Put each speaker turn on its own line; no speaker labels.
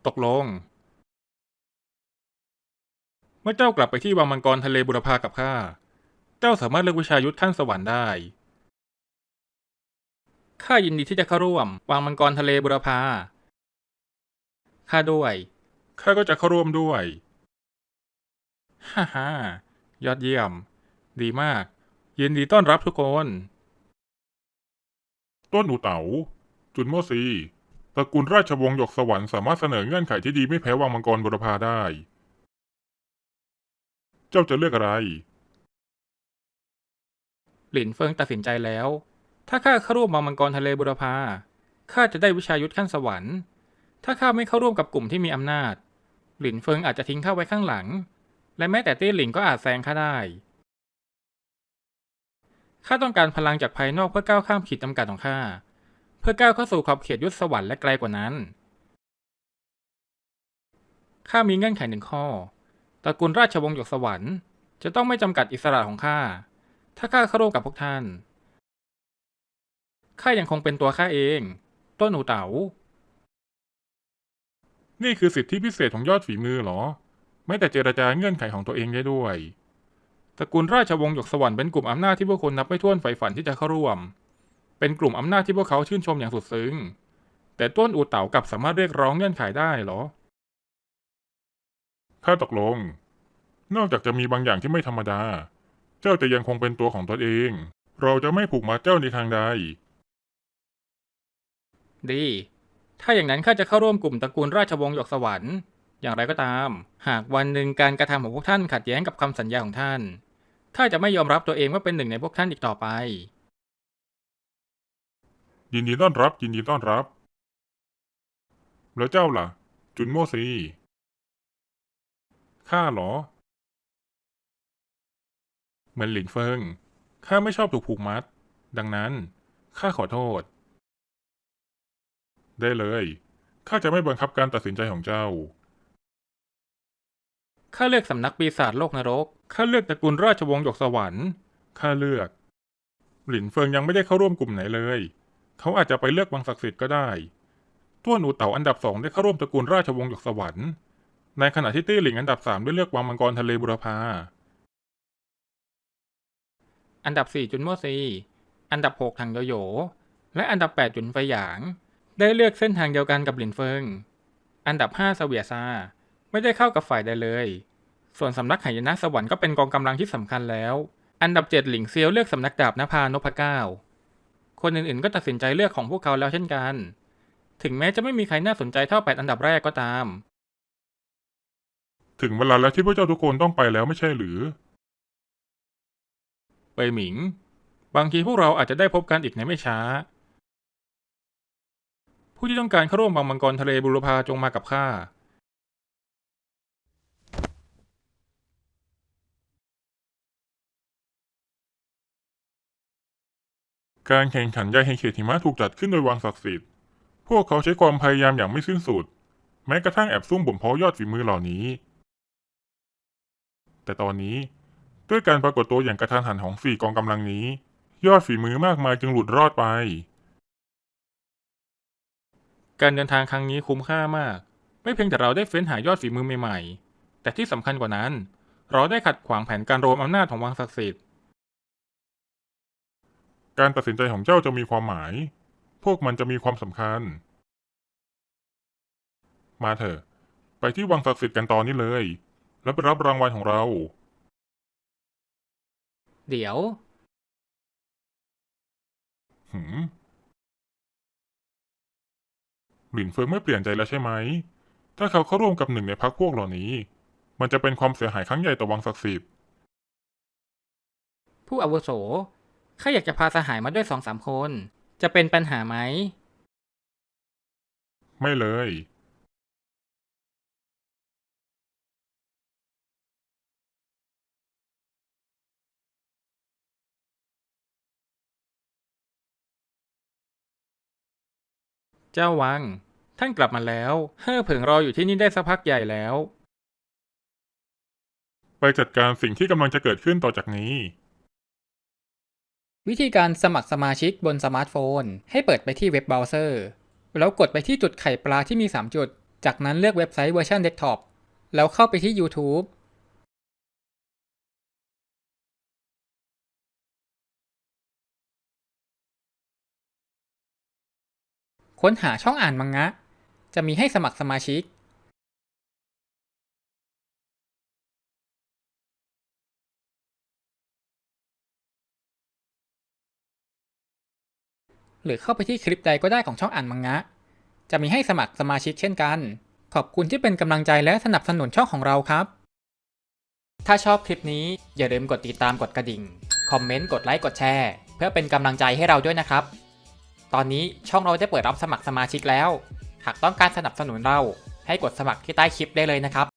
ตกลงเมื่อเจ้ากลับไปที่วังมังกรทะเลบุรพากับข้าเจ้าสามารถเลือกวิชายุทธขั้นสวรรค์ได้ข้ายินดีที่จะเข้าร่วมวังมังกรทะเลบุรพาข้าด้วยข้าก็จะเข้าร่วมด้วยฮ่าฮ่ายอดเยี่ยมดีมากยินดีต้อนรับทุกคนต้นอูเต๋าจุนโมซีตระกูลราชวงศ์หยกสวรรค์สามารถเสนอเงื่อนไขที่ดีไม่แพ้วังมังกรบุรพาได้เจ้าจะเลือกอะไรหลินเฟิงตัดสินใจแล้วถ้าข้าเข้าร่วมวังมังกรทะเลบุรพาข้าจะได้วิชายุทธขั้นสวรรค์ถ้าข้าไม่เข้าร่วมกับกลุ่มที่มีอำนาจหลินเฟิงอาจจะทิ้งข้าไว้ข้างหลังและแม้แต่เตี้ยหลิงก็อาจแซงข้าได้ข้าต้องการพลังจากภายนอกเพื่อก้าวข้ามขีดจำกัดของข้าเพื่อก้าวเข้าสู่ขอบเขตยุทธสวรรค์และไกลกว่านั้นข้ามีเงื่อนไขหนึ่งข้อตระกูลราชวงศ์หยกสวรรค์จะต้องไม่จำกัดอิสระของข้าถ้าข้าเข้าร่วมกับพวกท่านข้ายังคงเป็นตัวข้าเองต้นหูเต๋านี่คือสิทธิพิเศษของยอดฝีมือเหรอไม่แต่เจรจาเงื่อนไขของตัวเองได้ด้วยตระกูลราชวงศ์หยกสวรรค์เป็นกลุ่มอำนาจที่พวกคนนับไม่ถ้วนใฝ่ฝันที่จะเข้าร่วมเป็นกลุ่มอำนาจที่พวกเขาชื่นชมอย่างสุดซึ้งแต่ต้นอูเต๋ากลับสามารถเรียกร้องเงื่อนไขได้เหรอข้าตกลงนอกจากจะมีบางอย่างที่ไม่ธรรมดาเจ้าจะยังคงเป็นตัวของตนเองเราจะไม่ผูกมัดเจ้าในทางใดดีถ้าอย่างนั้นข้าจะเข้าร่วมกลุ่มตระกูลราชวงศ์หยกสวรรค์อย่างไรก็ตามหากวันหนึ่งการกระทำของพวกท่านขัดแย้งกับคำสัญญาของท่านข้าจะไม่ยอมรับตัวเองว่าเป็นหนึ่งในพวกท่านอีกต่อไปยินดีต้อนรับยินดีต้อนรับแล้วเจ้าล่ะจุนโมซีข้าเหรอเหมือนหลินเฟิงข้าไม่ชอบถูกผูกมัดดังนั้นข้าขอโทษได้เลยข้าจะไม่บังคับการตัดสินใจของเจ้าข้าเลือกสำนักปีศาจโลกนรกข้าเลือกตระกูลราชวงศ์หยกสวรรค์ข้าเลือกหลินเฟิงยังไม่ได้เข้าร่วมกลุ่มไหนเลยเขาอาจจะไปเลือกวังศักดิ์สิทธิ์ก็ได้ต้วนอูเต๋าอันดับ2ได้เข้าร่วมตระกูลราชวงศ์หยกสวรรค์ในขณะที่ตี้หลิงอันดับ3ได้เลือกวังมังกรทะเลบุรพาอันดับ4จุนโมซีอันดับ6ถังโยโย่และอันดับ8จุนไฟหยางได้เลือกเส้นทางเดียวกันกับหลินเฟิงอันดับ5เสวียซาไม่ได้เข้ากับฝ่ายใดเลยส่วนสำนักหายนะสวรรค์ก็เป็นกองกำลังที่สำคัญแล้วอันดับ7หลิงเซียวเลือกสำนักดาบนภานพเก้าคนอื่นๆก็ตัดสินใจเลือกของพวกเขาแล้วเช่นกันถึงแม้จะไม่มีใครน่าสนใจเท่า8อันดับแรกก็ตามถึงเวลาแล้วที่พวกเจ้าทุกคนต้องไปแล้วไม่ใช่หรือเปยหมิงบางทีพวกเราอาจจะได้พบกันอีกในไม่ช้าผู้ที่ต้องการเข้าร่วมวังมังกรทะเลบุรพาจงมากับข้าการแข่งขันยาแห่งเขตหิมะถูกจัดขึ้นโดยวังศักดิ์สิทธิ์พวกเขาใช้ความพยายามอย่างไม่สิ้นสุดแม้กระทั่งแอบซุ่มบ่มเพาะยอดฝีมือเหล่านี้แต่ตอนนี้ด้วยการปรากฏตัวอย่างกระทันหันของ4กองกำลังนี้ยอดฝีมือมากมายจึงหลุดรอดไปการเดินทางครั้งนี้คุ้มค่ามากไม่เพียงแต่เราได้เฟ้นหายอดฝีมือใหม่ๆแต่ที่สำคัญกว่านั้นเราได้ขัดขวางแผนการรวมอำนาจของวังศักดิ์สิทธิ์การตัดสินใจของเจ้าจะมีความหมายพวกมันจะมีความสำคัญมาเถอะไปที่วังศักดิ์สิทธิ์กันตอนนี้เลยแล้วไปรับรางวัลของเราเดี๋ยวหลินเฟิงไม่เปลี่ยนใจแล้วใช่ไหมถ้าเขาเข้าร่วมกับหนึ่งในพรรคพวกเหล่านี้มันจะเป็นความเสียหายครั้งใหญ่ต่อวังศักดิ์สิทธิ์ผู้อาวุโสข้าอยากจะพาสหายมาด้วย2-3 คนจะเป็นปัญหาไหมไม่เลยเจ้าวังท่านกลับมาแล้วเฮ่อเผิงรออยู่ที่นี่ได้สักพักใหญ่แล้วไปจัดการสิ่งที่กำลังจะเกิดขึ้นต่อจากนี้
วิธีการสมัครสมาชิกบนสมาร์ทโฟนให้เปิดไปที่เว็บเบราว์เซอร์แล้วกดไปที่จุดไข่ปลาที่มี3จุด
จากนั้นเลือกเว็บไซต์เวอร์ชันเดสก์ท็อปแล้วเข้าไปที่ YouTube ค้นหาช่องอ่านมังงะจะมีให้สมัครสมาชิกหรือเข้าไปที่คลิปใดก็ได้ของช่องอ่านมังงะจะมีให้สมัครสมาชิกเช่นกันขอบคุณที่เป็นกำลังใจและสนับสนุนช่องของเราครับถ้าชอบคลิปนี้อย่าลืมกดติดตามกดกระดิ่งคอมเมนต์กดไลค์กดแชร์เพื่อเป็นกำลังใจให้เราด้วยนะครับตอนนี้ช่องเราได้เปิดรับสมัครสมาชิกแล้วหากต้องการสนับสนุนเราให้กดสมัครที่ใต้คลิปได้เลยนะครับ